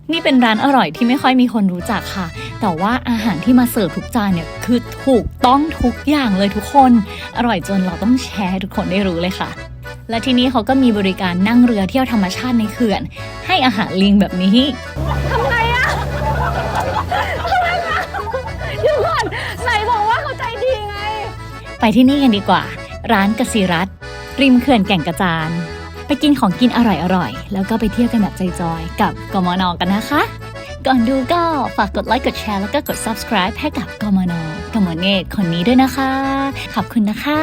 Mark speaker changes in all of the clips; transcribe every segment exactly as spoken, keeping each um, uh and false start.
Speaker 1: นี่เป็นร้านอร่อยที่ไม่ค่อยมีคนรู้จักค่ะแต่ว่าอาหารที่มาเสิร์ฟทุกจานเนี่ยคือถูกต้องทุกอย่างเลยทุกคนอร่อยจนเราต้องแชร์ให้ทุกคนได้รู้เลยค่ะและที่นี่เขาก็มีบริการนั่งเรือเที่ยวธรรมชาติในเขื่อนให้อาหารลิงแบบนี้ทำไงอะทำไงอะเดี๋ยวก่อนไหนบอกว่าเขาใจดีไงไปที่นี่กันดีกว่าร้านกสิรัตน์ริมเขื่อนแก่งกระจานไปกินของกินอร่อยๆแล้วก็ไปเที่ยวกันแบบใจจอยกับกมน.กันนะคะก่อนดูก็ฝากกดไลค์กดแชร์แล้วก็กด ซับสไครบ์ ให้กับกมน.กมเนตรคนนี้ด้วยนะคะขอบคุณนะคะ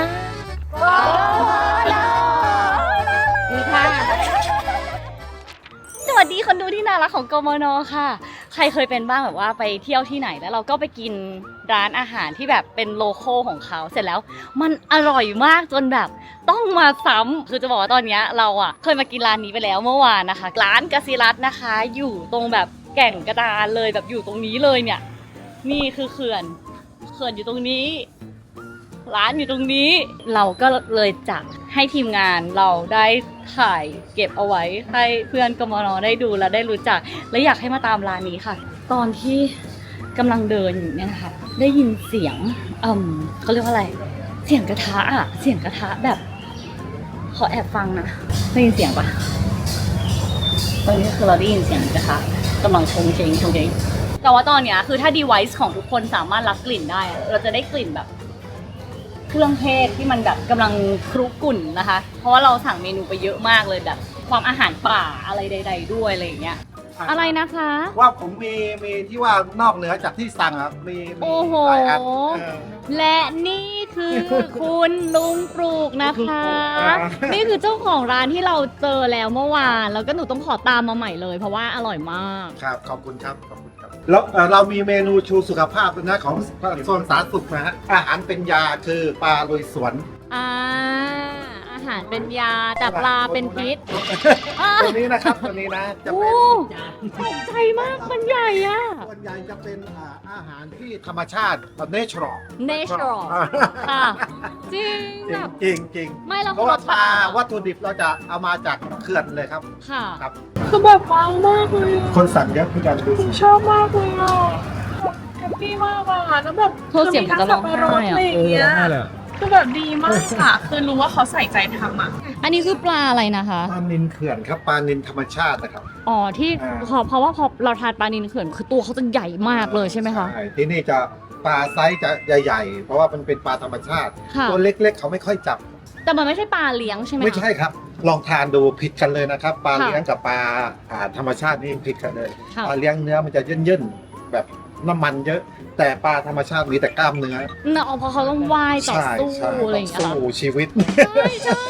Speaker 1: สวัสดีคนดูที่น่ารักของกมน.ค่ะใครเคยเป็นบ้างแบบว่าไปเที่ยวที่ไหนแล้วเราก็ไปกินร้านอาหารที่แบบเป็นโลคอลของเขาเสร็จแล้วมันอร่อยมากจนแบบต้องมาซ้ำคือจะบอกว่าตอนนี้เราอ่ะเคยมากินร้านนี้ไปแล้วเมื่อวานนะคะร้านกสิรัตน์นะคะอยู่ตรงแบบแก่งกระดานเลยแบบอยู่ตรงนี้เลยเนี่ยนี่คือเขื่อนเขื่อนอยู่ตรงนี้ร้านอยู่ตรงนี้เราก็เลยจะให้ทีมงานเราได้ถ่ายเก็บเอาไว้ให้เพื่อนกมน.ได้ดูและได้รู้จักและอยากให้มาตามร้านนี้ค่ะตอนที่กำลังเดินอยู่เนี่ยนะคะได้ยินเสียงเอ่มเขาเรียกว่าอะไรเสียงกระทะอะเสียงกระทะแบบขอแอบฟังนะได้ยินเสียงปะตอนนี้คือเราได้ยินเสียงกระทะกำลังชงเชงชงเชงแต่ว่าตอนเนี้ยคือถ้า device ของทุกคนสามารถรับกลิ่นได้เราจะได้กลิ่นแบบเครื่องเทศที่มันแบบกำลังครุกรุ่นนะคะเพราะว่าเราสั่งเมนูไปเยอะมากเลยแบบความอาหารป่าอะไรใดๆด้วยอะไรอย่างเงี้ยอะไรนะคะ
Speaker 2: ว่าผมมีมีที่ว่านอกเหนือจากที่สั่งอ่ะมีมีหลายอัน
Speaker 1: และนี่คือคุณลุงปลูกนะคะนี่คือเจ้าของร้านที่เราเจอแล้วเมื่อวานแล้วก็หนูต้องขอตามมาใหม่เลยเพราะว่าอร่อยมาก
Speaker 2: ครับขอบคุณครับขอบคุณครับแล้วเรามีเมนูชูสุขภาพนะของโซนสาธารณสุขนะฮะอาหารเป็นยาคือปลาลุยสวน
Speaker 1: อ่าอาหารเป็นยาแต่ปลาเป็นพิษ
Speaker 2: ตัวนี้นะครับตัวนี้นะจะเป็น
Speaker 1: ตกใจมากมันใหญ่อะ
Speaker 2: ส่วนใหญ่จะเป็นอาหารที่ธรรมชาติเนเชอรัล
Speaker 1: เนเชอรัลค่ะจริง
Speaker 2: จริงจริง
Speaker 1: ไม่เรา
Speaker 2: เพราะว่าปลาวัตถุดิบเราจะเอามาจากเขื่อนเลยครับ
Speaker 1: ค่ะ
Speaker 2: ครับ
Speaker 3: คือแบบว้าวมากเลย
Speaker 2: คนสั่งเยอะพี่กันดู
Speaker 3: ชอบมากเลยอ่ะแฮปปี้มากอ่ะแล้วแบบ
Speaker 1: เธอเสียงจะร้องไห้
Speaker 3: อะคือแบบดีมากอ่ะคือรู้ว่าเขาใส่ใจทำอ่ะ
Speaker 1: อันนี้คือปลาอะไรนะคะ
Speaker 2: ปลานิลเขื่อนครับปลานิลธรรมชาตินะครับ
Speaker 1: อ๋อที่เพราะว่าพอเราทานปลานิลเขื่อนคือตัวเขาจะใหญ่มากเลยใช่ไหมคะ
Speaker 2: ใช่ที่นี่จะปลาไซส์จะใหญ่ๆเพราะว่ามันเป็นปลาธรรมชาติตัวเล็กๆเขาไม่ค่อยจับ
Speaker 1: แต่มันไม่ใช่ปลาเลี้ยงใช่ไหม
Speaker 2: ไม่ใช่ครับลองทานดูผิดกันเลยนะครับปลาเลี้ยงกับปลาธรรมชาตินี่ผิดกันเลยปลาเลี้ยงเนื้อมันจะเยินๆแบบน้ำมันเยอะแต่ปลาธรรมชาติมีแต่กล้ามเนื้อ
Speaker 1: เนาะเพราะเขาต้องว่ายต่อสู้อะไรอย่างเงี้ย
Speaker 2: สู้ชีวิต
Speaker 1: ใช่ใช่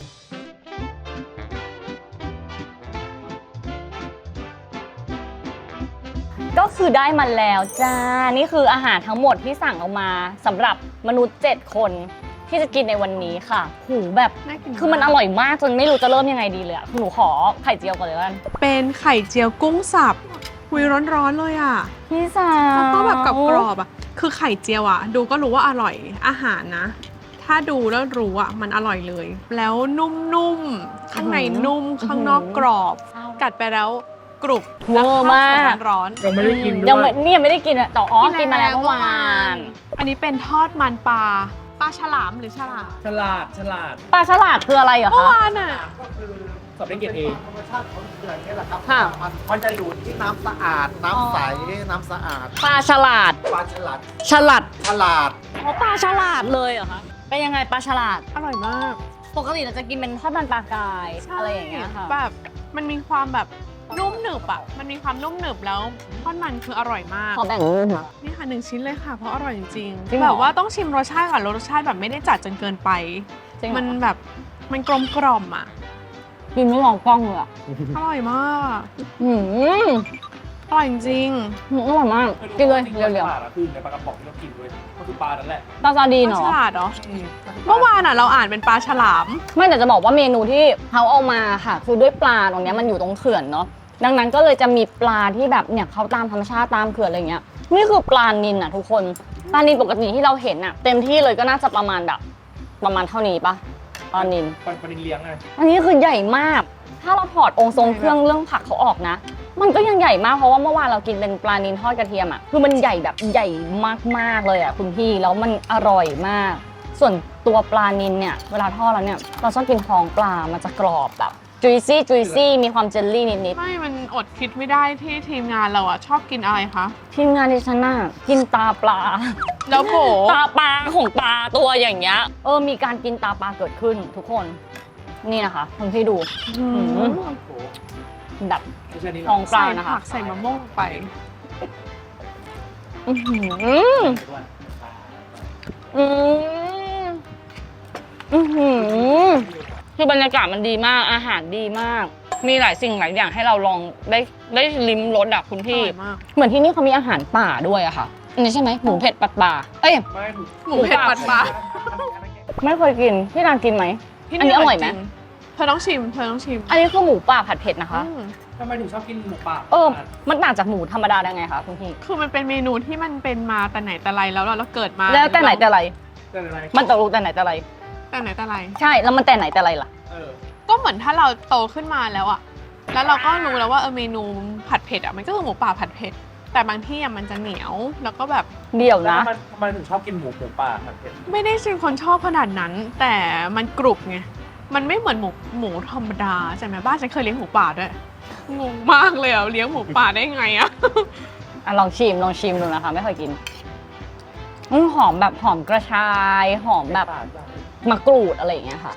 Speaker 1: ก็คือได้มาแล้วจ้านี่คืออาหารทั้งหมดที่สั่งออกมาสำหรับมนุษย์เจ็ดคนที่จะกินในวันนี้ค่ะหูแบบคือมันอร่อยมากจนไม่รู้จะเริ่มยังไงดีเลยอ่ะหนูขอไข่เจียวก่อนเลยกัน
Speaker 3: เป็นไข่เจียวกุ้งสับคุยร้อนๆเลยอ่ะ
Speaker 1: พี่สาว
Speaker 3: แล้วก็แบบกับกรอบอ่ะคือไข่เจียวอ่ะดูก็รู้ว่าอร่อยอาหารนะถ้าดูแล้วรู้อ่ะมันอร่อยเลยแล้วนุ่มๆข้างในนุ่มข้างนอกกรอบกัดไปแล้วกรุบ
Speaker 1: เวอร์มาก
Speaker 3: ร้อน
Speaker 2: ยังไม่ได้กินด้วย
Speaker 1: ยังนี่ยังไม่ได้กินอ่ะต่ออ๋อกินมาแล้วเมื่อวาน
Speaker 3: อันนี้เป็นทอดมันปลาปลาฉลามหรือฉลาด
Speaker 4: ฉลาดฉลาด
Speaker 1: ปลาฉลาดคืออะไรเหรอคะ
Speaker 3: เมื่อวานอ่ะ
Speaker 2: ก็คือ
Speaker 4: สอบได้เกรดเอ
Speaker 2: ธรรมชาติของเขื่อนนี่แหละครับมันมันจะอยู่ที่น้ำสะอาดน้ำใสน้ำสะอาด
Speaker 1: ปลาฉลาด
Speaker 2: ปลาฉลาด
Speaker 1: ฉลาด
Speaker 2: ฉลาด
Speaker 1: อ๋อปลาฉลาดเลยเหรอคะเป็นยังไงปลาฉลาด
Speaker 3: อร่อยมาก
Speaker 1: ปกติเราจะกินเป็นทอดมันปลากายอะไรอย่างเงี้ยค่ะ
Speaker 3: แบบมันมีความแบบนุ่มหนึบอ่ะมันมีความนุ่มหนึบแล้วทอดมันคืออร่อยมาก
Speaker 1: ขอแบ่งค่ะ
Speaker 3: นี่ค่ะหนึ่งชิ้นเลยค่ะเพราะอร่อยจริงๆแบบว่าต้องชิมรสชาติก่อนรสชาติแบบไม่ได้จัดจนเกินไปมันแบบมันกลมกล่อมอ่ะ
Speaker 1: กินไม่ลองกล้องเลยอ่ะ
Speaker 3: อร่อยมาก
Speaker 1: อืม
Speaker 3: อร่อยจริง
Speaker 1: อร่อยมากกินเลยเร็ว
Speaker 4: ๆคือในปลากระป๋องที่เรากินด้วยก็คือปลานั่นแหละ
Speaker 1: ปลาซาดีนเหรอ
Speaker 3: ฉลาดเหรอเมื่อวานอ่ะเราอ่านเป็นปลาฉลาม
Speaker 1: ไม่แต่จะบอกว่าเมนูที่เขาเอามาค่ะคือด้วยปลาตรงนี้มันอยู่ตรงเขื่อนเนาะดังนั้นก็เลยจะมีปลาที่แบบเนี่ยเขาตามธรรมชาติตามเขื่อนอะไรเงี้ยนี่คือปลานิลอ่ะทุกคนปลานิลปกติที่เราเห็นอ่ะเต็มที่เลยก็น่าจะประมาณแบบประมาณเท่านี้ปะปลานิล
Speaker 4: ปลานิลเลี้ยงไง
Speaker 1: อันนี้คือใหญ่มากถ้าเราถอดองค์ทรงเครื่องเรื่องผักเขาออกนะมันก็ยังใหญ่มากเพราะว่าเมื่อวานเรากินเป็นปลานิลทอดกระเทียมอ่ะคือมันใหญ่แบบใหญ่มากๆเลยอ่ะคุณพี่แล้วมันอร่อยมาก ส่วนตัวปลานิลเนี่ยเวลาทอดแล้วเนี่ยเราชอบกินท้องปลามันจะกรอบแบบ juicy juicy มีความเจลลี่นิด
Speaker 3: ไม่มันอดคิดไม่ได้ที่ทีมงานเราอะชอบกินอะไรคะ
Speaker 1: ๆทีมงานดิฉันน่ะกินตาปลา
Speaker 3: แล้วโผ
Speaker 1: ตาปลาของปลาตัวอย่างเงี้ยเออมีการกินตาปลาเกิดขึ้นทุกคนนี่นะคะคุณพี่ดู
Speaker 3: อืม
Speaker 1: อืม
Speaker 4: โอ้โห
Speaker 1: แบบ
Speaker 4: ไม่ใช่นี่หร
Speaker 1: ท้
Speaker 4: อ
Speaker 1: องปลา
Speaker 3: ใส่
Speaker 1: นะคะ
Speaker 3: ผักใส่มะม่วงลงไป
Speaker 1: อื้อหืออืมอือหือคือบรรยากาศมันดีมากอาหารดีมาก มีหลายสิ่งหลายอย่างให้เราลองได้ได้ลิ้มรสอะคุณ
Speaker 3: อ
Speaker 1: พี่
Speaker 3: ร่อยมาก
Speaker 1: เหมือนที่นี่เขามีอาหารป่าด้วยอะค่ะอันนี้ใช่ไหมหมูเผ็ดปัดป่าเอ้ย
Speaker 4: ไม่หนู
Speaker 3: หมูเผ็ดปัดปลา
Speaker 1: ไม่เคยกินพี่นางกินไหม
Speaker 3: ที่
Speaker 1: อันนี้อร่อยไหม
Speaker 3: จงเธอต้องชิม เธอต้องชิม
Speaker 1: อันนี้คือหมูป่าผัดเผ็ดนะคะ
Speaker 3: อืม
Speaker 4: ทำไมถึงชอบกินหมูป่า
Speaker 1: เออมันต่างจากหมูธรรมดาได้ไงคะคุณพี่
Speaker 3: คือมันเป็นเมนูที่มันเป็นมาแต่ไหนแต่ไรแล้วเราเราเกิดมา
Speaker 1: แล้วแต่ไหนแต่ไร
Speaker 4: แต่อะไร
Speaker 1: มันตกลงแต่ไหนแต่ไร
Speaker 3: แต่ไหนแต่ไร
Speaker 1: ใช่แล้วมันแต่ไหนแต่ไรล่ะ
Speaker 4: เออ
Speaker 3: ก็เหมือนถ้าเราโตขึ้นมาแล้วอะแล้วเราก็รู้แล้วว่าเออเมนูผัดเผ็ดอะมันก็คือหมูป่าผัดเผ็ด แต่บางที่อะมันจะเหนียว แล้วก็แบบ
Speaker 1: เดี๋ยว
Speaker 4: แล้ว
Speaker 1: นะ
Speaker 4: ทำไมทำไมถึงชอบกินหมูหมูป่าผัดเผ็ด
Speaker 3: ไม่ได้เป็นคนชอบขนาดนั้น แต่มันกรุบไง มันไม่เหมือนหมูหมูธรรมดาใช่ไหมบ้านฉันเคยเลี้ยงหมูป่าด้วย งงมากเลยอะเลี้ยงหมูป่าได้ไงอะ
Speaker 1: อ่ะลองชิมลองชิมดูนะคะ ไม่เคยกินอืมหอมแบบหอมกระชาย หอมแบบมะกรูดอะไรอย่างเงี้ยค่ะ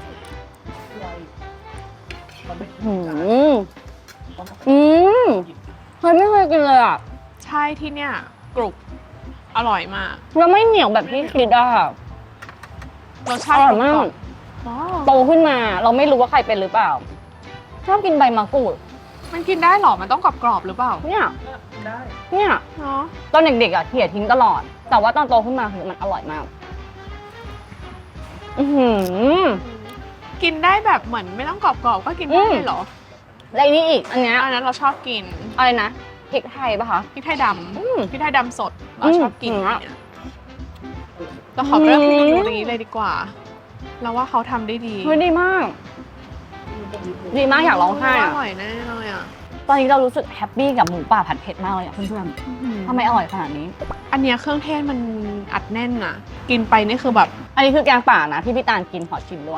Speaker 4: มันไม่
Speaker 1: อืมอืมเฮ้ยไม่เคยกินเลยอ่ะ
Speaker 3: ใช่ที่เนี่ยกรุบอร่อยมาก
Speaker 1: แล้วไม่เหนียวแบบที่คิดอ่ะ
Speaker 3: รส
Speaker 1: อ
Speaker 3: ชาติ
Speaker 1: ร่อยมาก
Speaker 3: ว้าว
Speaker 1: โตขึ้นมา เราไม่รู้ว่าใครเป็นหรือเปล่า ชอบกินใบมะกรูด
Speaker 3: มันกินได้เหรอ มันต้องกรอบๆหรือเปล่า
Speaker 1: เนี่ย
Speaker 4: ได้
Speaker 1: เนี่ย
Speaker 3: เนาะ
Speaker 1: ตอนเด็กๆอ่ะเขี่ยทิ้งตลอด แต่ว่าตอนโตขึ้นมาคือมันอร่อยมาก อือหือ
Speaker 3: กินได้แบบเหมือนไม่ต้องกรอบๆก็กินได้
Speaker 1: อืม
Speaker 3: เลยเหรอ
Speaker 1: และอันนี้อีก อันเนี้ย
Speaker 3: อันนั้นเราชอบกิน
Speaker 1: อะไรนะพริกไทยปะคะ
Speaker 3: พริกไทยด
Speaker 1: อืม
Speaker 3: ำพริกไทยดำสด เราชอบกิน
Speaker 1: อืม
Speaker 3: เนี่ยเราขอเริ่ม
Speaker 1: อืม
Speaker 3: เมนูนี้เลยดีกว่า เราว่าเขาทำได้ดี
Speaker 1: เฮ้ยดีมาก ดีมากอยากร้องไห้
Speaker 3: อ
Speaker 1: อะ
Speaker 3: ร่อยแน่เลยอ่ะ
Speaker 1: ตอนนี้เรารู้สึกแฮปปี้กับหมูป่าผัดเผ็ดมากเลยอะเพื่อนๆทำไมอร่อยขนาดนี้
Speaker 3: อันเนี้ยเครื่องเทศมันอัดแน่นอ่ะ กินไปนี่คือแบบ
Speaker 1: อันนี้คือแกงป่านะที่พี่ตาลกินขอชิมด้วย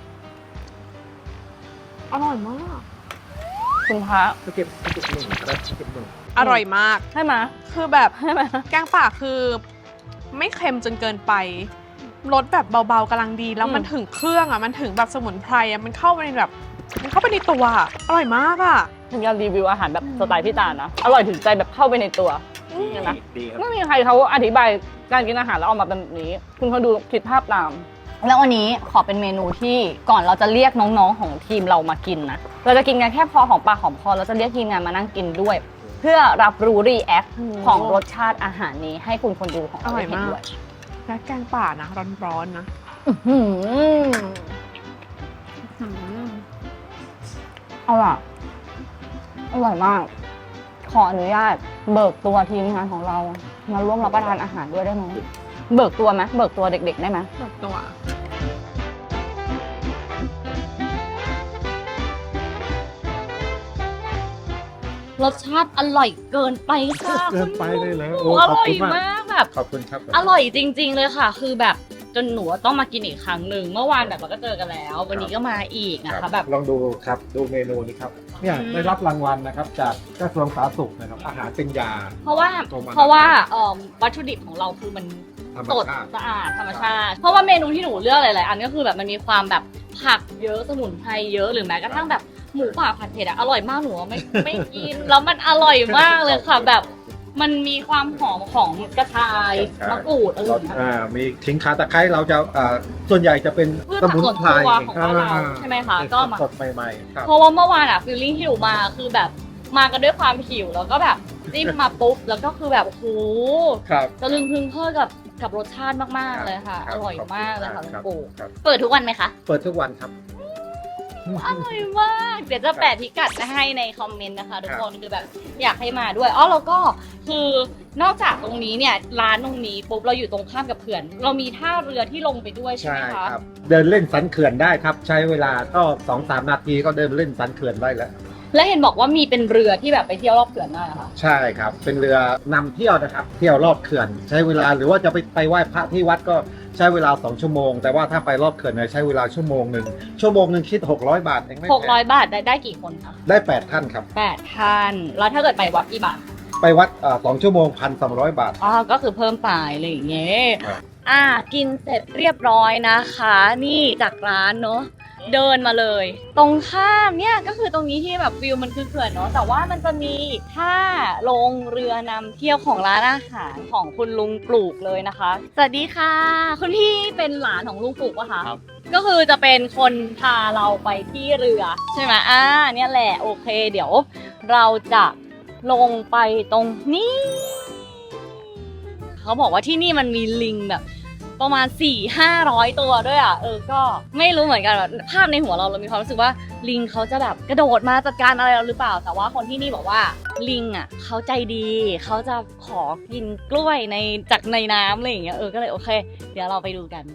Speaker 3: อร่อยมาก
Speaker 1: คุณพระ
Speaker 2: เก็บเก็บหนึ่งครับเก็บหนึ่ง
Speaker 3: อร่อยมาก
Speaker 1: ใช่ไหม
Speaker 3: คือแบบ
Speaker 1: ใช่ไหม
Speaker 3: แกงป่าคือไม่เค็มจนเกินไปรสแบบเบาๆกำลังดี แล้วมันถึงเครื่องอ่ะมันถึงแบบสมุนไพรอ่ะมันเข้าไปในแบบมันเข้าไปในตัวอะอร่อยมากอ่ะ
Speaker 1: ถึงจะรีวิวอาหารแบบสไตล์พี่ตาลนะ อร่อยถึงใจแบบเข้าไปในตัว เห็นไหม
Speaker 2: ดีครับ
Speaker 1: ไม่มีใครเขาอธิบายการกินอาหารแล้วออกมาเป็นแบบนี้ คุณเขาดูคิดภาพตาม แล้ววันนี้ขอเป็นเมนูที่ก่อนเราจะเรียกน้องๆของทีมเรามากินนะ เราจะกินกันแค่พอหอมปากหอมคอเราจะเรียกทีมงานมานั่งกินด้วย เพื่อรับรู้รีแอคของรสชาติอาหารนี้ให้คุณคนดูของเราได้เห็นด้วย
Speaker 3: และแกงป่านะร้อนๆนะ
Speaker 1: อื้อหือ
Speaker 3: อืม
Speaker 1: อร่อยอร่อยมาก ขออนุญาตเบิกตัวทีมงานของเรา มาร่วมรับประทานอาหารด้วยได้ไหมเบิกตัวไหมเบิกตัวเด็กๆได้ไหม
Speaker 3: แบบตัว
Speaker 1: รสชาติอร่อยเกินไปค่ะ
Speaker 2: เกินไปเลยเหรอ
Speaker 1: โอ้
Speaker 2: โอ้
Speaker 1: อ
Speaker 2: ขอบ
Speaker 1: ร่อย
Speaker 2: คุณมาก
Speaker 1: มากแบบ
Speaker 2: ขอบคุณครับ
Speaker 1: อร่อยจริง ๆ เลยค่ะ คือแบบจนหนูต้องมากินอีกครั้งหนึ่งเมื่อวานแบบเราก็เจอกันแล้ว วันนี้ก็มาอีกนะคะแบบ
Speaker 2: ลองดูครับดูเมนูนี้ครับเนี่ย
Speaker 1: อืม
Speaker 2: ได้รับรางวัลนะครับจากกระทรวงสาธารณสุขนะครับอาหารเป็นยา
Speaker 1: เพราะว่า
Speaker 2: โตมา
Speaker 1: เพราะว่าเอ่อวัตถุดิบของเราคือมัน
Speaker 2: ธรรม
Speaker 1: สด
Speaker 2: ชาติ
Speaker 1: สะอาดธรรมชาติ เพราะว่าเมนูที่หนูเลือกหลายๆอันก็คือแบบมันมีความแบบผักเยอะสมุนไพรเยอะหรือแม้กระทั่งแบบหมูป่าผัดเผ็ดอะอร่อยมากหนูว่าไม่ ไม่กินแล้วมันอร่อยมากเลยค่ะแบบมันมีความหอมของกระชายมะกรูดอะไรอย่างเงี้ย
Speaker 2: อ่ามีขิงข่าตะไคร้เราจะอ่าส่วนใหญ่จะเป็น
Speaker 1: พืช
Speaker 2: ส
Speaker 1: ผัก
Speaker 2: มุน
Speaker 1: สวน
Speaker 2: ไพร
Speaker 1: ครัวของบ้านเรา
Speaker 2: อ่
Speaker 1: ใช่ไหมคะก็มา
Speaker 2: สดๆใหม่ๆครับ
Speaker 1: เพราะว่าเมื่อวานอะฟีลลิ่งที่หนูมาคือแบบมากันด้วยความหิวแล้วก็แบบจิ้มมาปุ๊บแล้วก็คือแบบโอ้โห
Speaker 2: ครับ
Speaker 1: ตะลึงพึงเพอกับกับรสชาติมากๆเลยค่ะ
Speaker 2: ค
Speaker 1: อบ ร่อยมากเลยค่ะ
Speaker 2: ข
Speaker 1: คุ
Speaker 2: อบ
Speaker 1: ณ
Speaker 2: ณ
Speaker 1: ปู่
Speaker 2: ครับ
Speaker 1: เปิดทุกวันไหมคะ
Speaker 2: เปิดทุกวันครับ
Speaker 1: อร่อยมาก เดี๋ยวจะแปะพิกัดมาให้ในคอมเมนต์นะคะทุกคนคือแบบอยากให้มาด้วยอ๋อแล้วก็คือนอกจากตรงนี้เนี่ยร้านตรงนี้ปุ๊บเราอยู่ตรงข้ามกับเขื่อน เรามีท่าเรือที่ลงไปด้วยใช่
Speaker 2: ใช่
Speaker 1: ไหมคะ
Speaker 2: ครับ เดินเล่นสันเขื่อนได้ครับ ใช้เวลาก็สองสามนาทีก็เดินเล่นสันเขื่อนได้แล้ว
Speaker 1: และเห็นบอกว่ามีเป็นเรือที่แบบไปเที่ยวรอบเขื่อนได้เหรอคะ
Speaker 2: ใช่ครับ เป็นเรือนำเที่ยวนะครับ เที่ยวรอบเขื่อน ใช้เวลาหรือว่าจะไปไปไหว้พระที่วัดก็ใช้เวลาสองชั่วโมง แต่ว่าถ้าไปรอบเขื่อนเนี่ยใช้เวลาชั่วโมงหนึ่งชั่วโมงหนึ่งคิดหกร้อยบาทเองไม่
Speaker 1: หก
Speaker 2: แพ
Speaker 1: ร้อย
Speaker 2: ง
Speaker 1: บาทได้ได้กี่คนคะ
Speaker 2: ได้แปดท่านครับ
Speaker 1: แปดท่านแล้วถ้าเกิดไปวัดกี่บาท
Speaker 2: ไปวัดสองชั่วโมงพันสองร้อยบาท
Speaker 1: อ๋อก็คือเพิ่มไปอะไรอย่างเงี้ย
Speaker 2: ครับ
Speaker 1: อ่ะกินเสร็จเรียบร้อยนะคะ นี่จากร้านเนาะเดินมาเลย ตรงข้ามเนี่ยก็คือตรงนี้ที่แบบวิวมันคือเขื่อนเนาะแต่ว่ามันจะมีท่าลงเรือนำเที่ยวของร้านอาหารของคุณลุงปลูกเลยนะคะสวัสดีค่ะ คุณพี่เป็นหลานของลุงปลูกปะคะ
Speaker 4: ครับ
Speaker 1: ก็คือจะเป็นคนพาเราไปที่เรือใช่ไหมอ่าเนี่ยแหละโอเค เดี๋ยวเราจะลงไปตรงนี้เขาบอกว่าที่นี่มันมีลิงแบบประมาณ สี่ห้าร้อย ตัวด้วยอ่ะเออก็ไม่รู้เหมือนกันแบบภาพในหัวเราเรามีความรู้สึกว่าลิงเขาจะแบบกระโดดมาจัดการอะไรเราหรือเปล่า แต่ว่าคนที่นี่บอกว่าลิงอ่ะเขาใจดีเขาจะขอกินกล้วยในจากในน้ำอะไรอย่างเงี้ยเออก็เลยโอเค เดี๋ยวเราไปดูกัน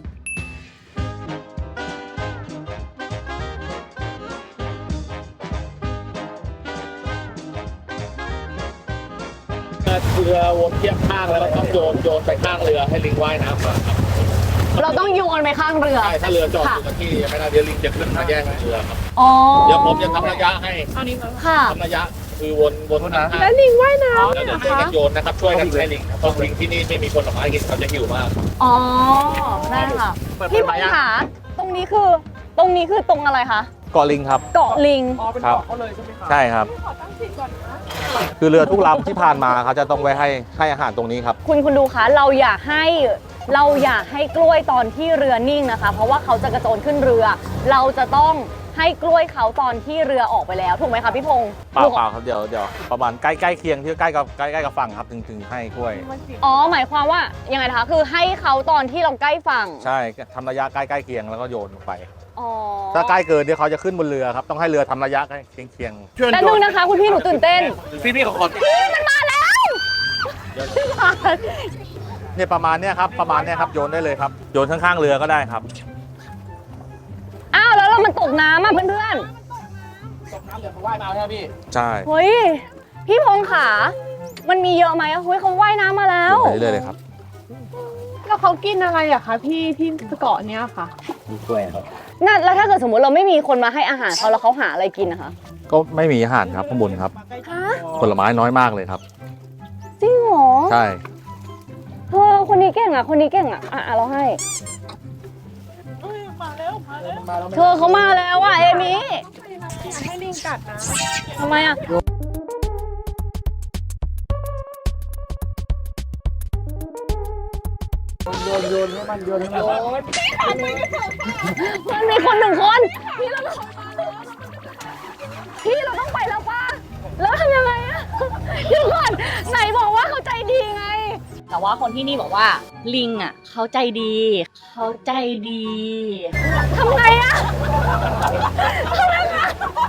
Speaker 4: เรือวนเทียบข้างแล้วก็ต้องโยนโยนไปข้างเรือให้ลิงว่ายน้ำมาครับ
Speaker 1: เราต้องโยนไปข้างเรือ
Speaker 4: ใช่ถ้าเรือจอดอยู่กับที่ไม่ได้เดี๋ยวลิงจะขึ้นมาแย่งเรือครับ
Speaker 1: อ๋อ
Speaker 4: เดี๋ยวผมจะทำระยะให้
Speaker 1: ค่ะ
Speaker 4: ทำระยะคือวนวนข้างๆ
Speaker 3: แล้วลิงว่ายน้ำ
Speaker 4: แล้วเดี๋ยวช่วยกันโยนนะครับช่วยกันให้ลิงครับเพราะลิงที่นี่ไม่มีคนออกมาให้กินเขาจะหิวมาก
Speaker 1: อ๋อได้ค่ะพี่พงษ์ค่ะตรงนี้คือตรงนี้คือตรงอะไรคะ
Speaker 5: เกาะลิงครับ
Speaker 1: เกาะลิง
Speaker 4: อ๋อเป็นเกาะเขาเลยใช่ไหมครับ
Speaker 5: ใช่ครับ คือเรือทุกลำที่ผ่านมาเขาจะต้องไว้ให้ให้อาหารตรงนี้ครับ
Speaker 1: คุณคุณดูคะเราอยากให้เราอยากให้กล้วยตอนที่เรือนิ่งนะคะ เพราะว่าเขาจะกระโจนขึ้นเรือ เราจะต้องให้กล้วยเขาตอนที่เรือออกไปแล้วถูกไหมคะพี่พงษ์
Speaker 5: เปล่าเปล่าครับเดี๋ยวเดี๋ยวประมาณใกล้ใกล้เคียงที่ใกล้กับใกล้ใกล้กับฝั่งครับถึงถึงให้กล้วย
Speaker 1: อ๋อหมายความว่ายังไงนะคะคือให้เขาตอนที่เราใกล้ฝั่ง
Speaker 5: ใช่ทำระยะใกล้ใกล้เคียงแล้วก็โยนลงไป
Speaker 1: อ๋อ
Speaker 5: ถ้าใกล้เกินเดี๋ยวเขาจะขึ้นบนเรือครับต้องให้เรือทำระยะใกล้เคียงเคียง
Speaker 1: แต่นึงนะคะคุณพี่หนูตื่นเต้น
Speaker 4: พี่พี่ขอขอ
Speaker 1: มันมาแล้ว
Speaker 5: เนี่ยประมาณเนี้ยครับประมาณเนี้ยครับโยนได้เลยครับโยนข้างๆเรือก็ได้ครับ
Speaker 1: อ้าวแล้วเรามันตกน้ำอ่ะเพื่อน
Speaker 4: ตกน้ำเดี๋ยวเขาว่ายมาใช่ไหมพี่
Speaker 5: ใช่
Speaker 1: ๆเฮ้ยพี่พงษ์ขามันมีเยอะไหมเฮ้ยเขาว่ายน้ำมาแล้ว
Speaker 5: โยนไปเรื่อยๆเลยครับ
Speaker 3: แล้วเขากินอะไรอะคะพี่ที่เกาะเนี้ยค่ะ
Speaker 2: มีกล้วยครับ
Speaker 1: นั่นแล้วถ้าเกิดสมมติเราไม่มีคนมาให้อาหารเขาแล้วเขาหาอะไรกินนะคะ
Speaker 5: ก็ไม่มีอาหารครับข้างบนครับ
Speaker 1: ฮะ
Speaker 5: ผลไม้น้อยมากเลยครับ
Speaker 1: จริงเหรอ
Speaker 5: ใช่
Speaker 1: เธอคนนี้เก่งอ่ะคนนี้เก่งอ่ะอ่ะอ่ะเราให้เธอเขามาแล้วอ่ะเอมี่
Speaker 3: ให้ลิงกัดนะ
Speaker 1: ทำไมอ่ะโยนโยนให้มันโยนให้มันมันมีคนหนึ่งคนพี่เราต้องพี่เราต้องไปแล้วป่ะแล้วทำยังไงอ่ะเดี๋ยวก่อนไหนบอกว่าเขาใจดีไง แต่ว่าคนที่นี่บอกว่าลิงอ่ะเขาใจดีเขาใจดีทำไงอ่ะทำไงอ่ะ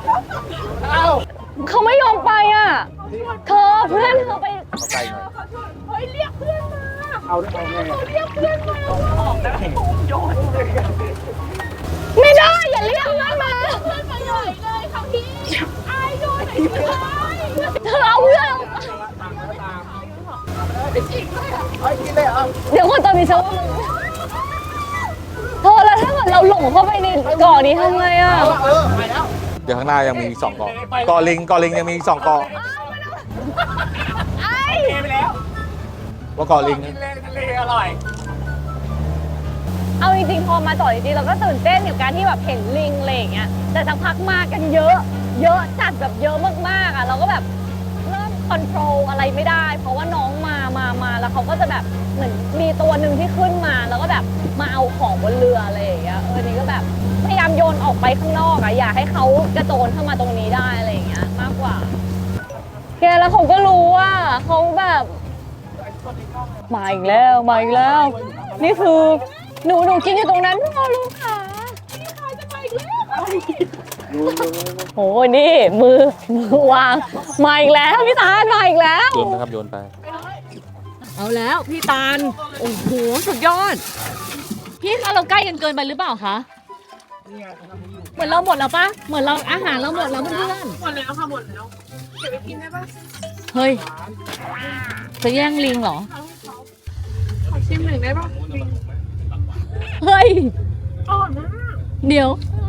Speaker 1: เขาไม่ยอมไปอ่ะเธอเพื่อนเธอไป
Speaker 5: เข้าใกล้หน่อย
Speaker 3: เฮ้ยเรียกเพื่อนมา
Speaker 4: เอาได้เอาแน่
Speaker 3: เรียกเพื่อนมา
Speaker 4: ออกได้โยนเลย
Speaker 1: ไม่ได้อย่าเรียกเพื่อนมา
Speaker 3: เพื่อนมาใหญ่เลยค่ะพี่อายโดนไหนไม่ได้
Speaker 1: เธอเอาเพื่อน เดี๋ยวคนตอนนี้ฉันว่าเธอแล้วถ้าเกิดเราหลงเข้าไปในเกาะนี้ทำไงอ่ะ
Speaker 4: เออไปแล้ว
Speaker 5: เดี๋ยวข้างหน้ายังมีอีกสองเกาะเกาะลิงเกาะลิงยังมีอีกสองเกาะ
Speaker 1: ไอ้
Speaker 4: เทไปแล้ว
Speaker 5: ว่าเกาะลิง
Speaker 4: กินเลยทะเลอร่อย
Speaker 1: เอาจริงๆพอมาเกาะจริงๆเราก็ตื่นเต้นกับการที่แบบเห็นลิงอะไรอย่างเงี้ยแต่สักพักมากันเยอะ เยอะจัดแบบเยอะมากๆอ่ะเราก็แบบเริ่มคอนโทรลอะไรไม่ได้ เพราะว่าน้องมามามาแล้วเขาก็จะแบบเหมือนมีตัวหนึ่งที่ขึ้นมาแล้วก็แบบมาเอาของบนเรืออะไรอย่างเงี้ยเออนี่ก็แบบพยายามโยนออกไปข้างนอกอ่ะอย่าให้เขากระโจนเข้ามาตรงนี้ได้อะไรอย่างเงี้ยมากกว่าแกแล้วเขาก็รู้ว่าเขาแบบมาอีกแล้วมาอีกแล้ว นี่คือหนูหนูกินอยู่ตรงนั้นพ่อลูกค่ะโอ้ยนี่มือมือวางมาอีกแล้วพี่ตาลมาอีกแล้ว
Speaker 5: โยนนะครับโยนไป
Speaker 1: เอาแล้วพี่ตาลโอ้โหสุดยอด พี่คะเราใกล้กันเกินไปหรือเปล่าคะเหมือนเราหมดแล้วปะเหมือนเราอาหารเราหมดแล้วเพื่อน
Speaker 3: หมดแล้วค่ะหมดแล้วเก็บไปกินได้ปะ
Speaker 1: ๆเฮ้ยจะแย่งลิงเหรอ
Speaker 3: ขอชิมหนึ่งได้ปะ
Speaker 1: เฮ้ย
Speaker 3: อร่อยมาก
Speaker 1: เดี๋ยว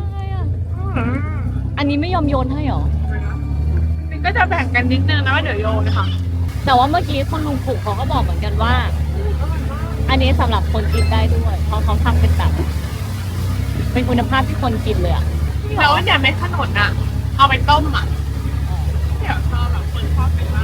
Speaker 1: อันนี้ไม่ยอมโยนให้เหรอ
Speaker 3: นี่ก็จะแบ่งกันนิดนึงนะว่าเดี๋ยวโยนค่ะ
Speaker 1: แต่ว่าเมื่อกี้คนลุงผูกเขาก็บอกเหมือนกันว่า อันนี้สำหรับคนกินได้ด้วยเพราะเขาทำเป็นแบบเป็นคุณภาพที่คนกินเลยอะ
Speaker 3: แล้วอย่าเม็ดขนุนอ่ะ เอาไปต้มอ่ะเดี๋ยวชอบแบบคนชอบไปมาก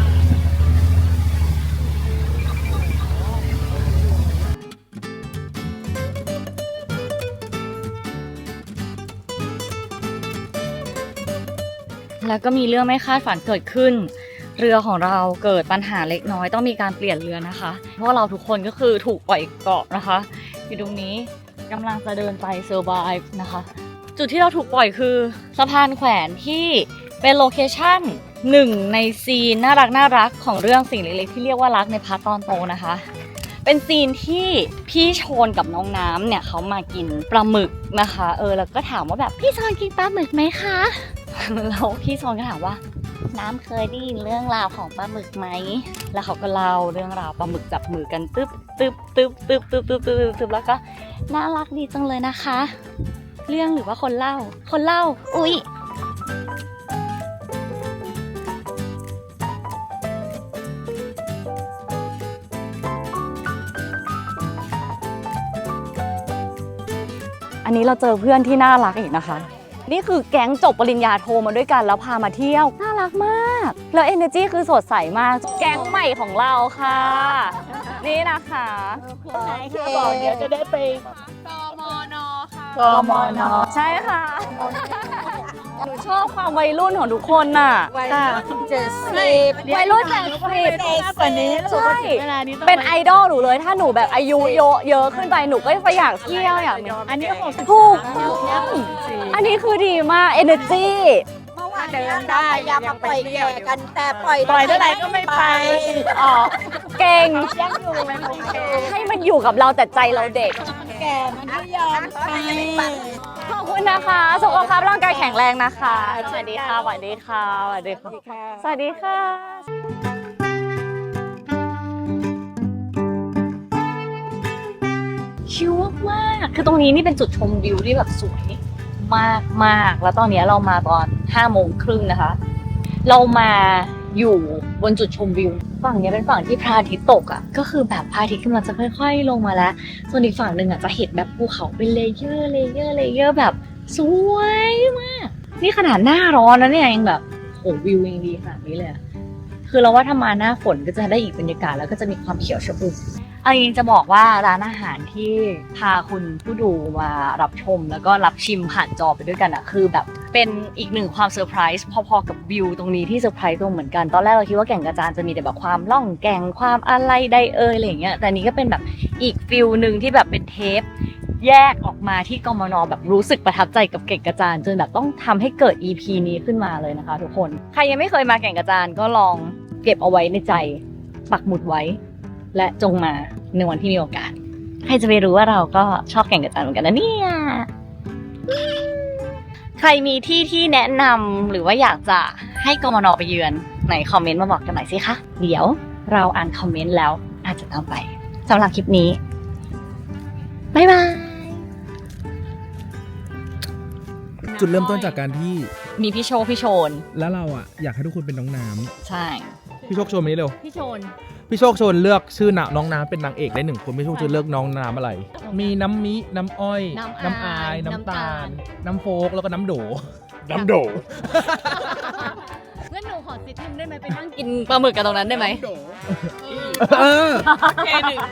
Speaker 1: แล้วก็มีเรื่องไม่คาดฝันเกิดขึ้น เรือของเราเกิดปัญหาเล็กน้อยต้องมีการเปลี่ยนเรือนะคะ เพราะเราทุกคนก็คือถูกปล่อยเกาะนะคะอยู่ตรงนี้กำลังจะเดินไปเซอร์ไบฟ์นะคะ จุดที่เราถูกปล่อยคือสะพานแขวนที่เป็นโลเคชั่นหนึ่งในซีนน่ารักน่ารักของเรื่องสิ่งเล็กๆที่เรียกว่ารักในพาร์ทตอนโตนะคะ เป็นซีนที่พี่โชนกับน้องน้ำเนี่ยเขามากินปลาหมึกนะคะเออแล้วก็ถามว่าแบบพี่โชนกินปลาหมึกไหมคะ แล้วพี่โชนก็ถามว่าน้ำเคยได้ยินเรื่องราวของปลาหมึกไหมแล้วเขาก็เล่าเรื่องราวปลาหมึกจับมือกันตึ๊บตึ๊บตึ๊บตึ๊บตึ๊บตึ๊บตึ๊บตึ๊บแล้วก็น่ารักดีจังเลยนะคะ เรื่องหรือว่าคนเล่า คนเล่า อุ๊ย อันนี้เราเจอเพื่อนที่น่ารักอีกนะคะ นี่คือแก๊งจบปริญญาโทมาด้วยกันแล้วพามาเที่ยว น่ารักมาก แล้ว energy คือสดใสมาก แก๊งใหม่ของเราค่ะ นี่นะคะไหนค่ะบอกเดี๋ยวจะได้ไป
Speaker 3: กมนค่ะ
Speaker 1: กมนใช่ค่ะ หนูชอบความวัยรุ่นของทุกคนน่ะ
Speaker 6: วัยรุ่นเจ็ดสิบ
Speaker 1: วัยรุ่นเจ็ดสิบ
Speaker 6: กว่านี้
Speaker 1: ใช่ เป็นไอดอลหนูเลย ถ้าหนูแบบอายุเยอะเยอะขึ้นไปหนูก็จะอยากเที่ยวอยากมี
Speaker 6: อันนี้หกสิบ
Speaker 1: ถูกต้องอันนี้คือดีมาก energy
Speaker 6: เมื่อวานเดินได้ยังมาปล่อยแก่กันแต่ปล่อย
Speaker 1: ปล่อยเท่าไหร่ก็ไม่ไป อ๋อ เก่ง
Speaker 6: ยังอยู่ไม่โอเค
Speaker 1: ให้มันอยู่กับเราแต่ใจเราเด็ก
Speaker 6: แก่มันไม่ยอมไป
Speaker 1: ขอบคุณนะคะ สุขภาพร่างกายแข็งแรงนะคะ สวัสดีค่ะ สวัสดีค่ะ สวัสดีค่ะ สวัสดีค่ะ ชิลมากๆคือตรงนี้นี่เป็นจุดชมวิวที่แบบสวยมากมากๆแล้วตอนนี้เรามาตอนห้าโมงครึ่งนะคะ เรามาอยู่บนจุดชมวิว ฝั่งนี้เป็นฝั่งที่พระอาทิตย์ตกอ่ะ ก็คือแบบพระอาทิตย์กำลังจะค่อยๆลงมาแล้ว ส่วนอีกฝั่งหนึ่งอ่ะจะเห็นแบบภูเขาเป็นเลเยอร์เลเยอร์เลเยอร์แบบสวยมาก นี่ขนาดหน้าร้อนนะเนี่ยยังแบบโหวิวยังดีขนาดนี้เลยอะคือเราว่าถ้ามาหน้าฝนก็จะได้อีกบรรยากาศแล้วก็จะมีความเขียวชอุ่มเอาจริงๆจะบอกว่าร้านอาหารที่พาคุณผู้ดูมารับชมแล้วก็รับชิมผ่านจอไปด้วยกันอะคือแบบเป็นอีกหนึ่งความเซอร์ไพรส์พอๆกับวิวตรงนี้ที่เซอร์ไพรส์ตรงเหมือนกันตอนแรกเราคิดว่าแก่งกระจานจะมีแต่แบบความล่องแก่งความอะไรใดเอ่ยอะไรอย่างเงี้ยแต่นี้ก็เป็นแบบอีกฟิลหนึ่งที่แบบเป็นเทปแยกออกมาที่กมนแบบรู้สึกประทับใจกับแก่งกระจานจนแบบต้องทำให้เกิด อี พี นี้ขึ้นมาเลยนะคะทุกคนใครยังไม่เคยมาแก่งกระจานก็ลองเก็บเอาไว้ในใจปักหมุดไว้และจงมาในวันที่มีโอกาสใครจะไปรู้ว่าเราก็ชอบแก่งกระจานเหมือนกันนะเนี่ยใครมีที่ที่แนะนำหรือว่าอยากจะให้กมนไปเยือนไหนคอมเมนต์มาบอกกันหน่อยสิคะเดี๋ยวเราอ่านคอมเมนต์แล้วอาจจะตามไปสำหรับคลิปนี้บ๊ายบาย
Speaker 7: จุดเริ่มต้นจากการที่
Speaker 1: มีพี่โชคพี่โชน
Speaker 7: แล้วเราอ่ะอยากให้ทุกคนเป็นน้องน้
Speaker 1: ใช่
Speaker 7: ำพี่โชคโชว์มานี้เร็ว
Speaker 1: พี่โชน
Speaker 7: พี่โชคโชว์เลือกชื่อน้องน้ำเป็นนางเอกได้หนึ่งคนพี่โชคจะเลือกน้องน้ำอะไร มีน้ำมิน้ำอ้อย
Speaker 1: น้ำอาย
Speaker 7: น้ำ
Speaker 1: น้ำตา
Speaker 7: ตา
Speaker 1: ล
Speaker 7: ล น้ำโฟกแล้วก็น้ำโด
Speaker 4: น้ำโด
Speaker 1: งั้นหนูขอซิททิมได้ไหมไปนั่งกินปลาหมึกกันตรงนั้นได้ไหม
Speaker 7: เออ
Speaker 3: เคหนึ่ง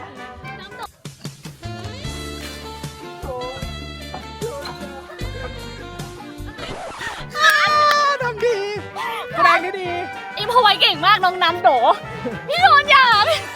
Speaker 7: ทำดีแสดงได้ดี
Speaker 1: อิมพอไว้เก่งมากน้องน้ำโด พี่โชนอยาก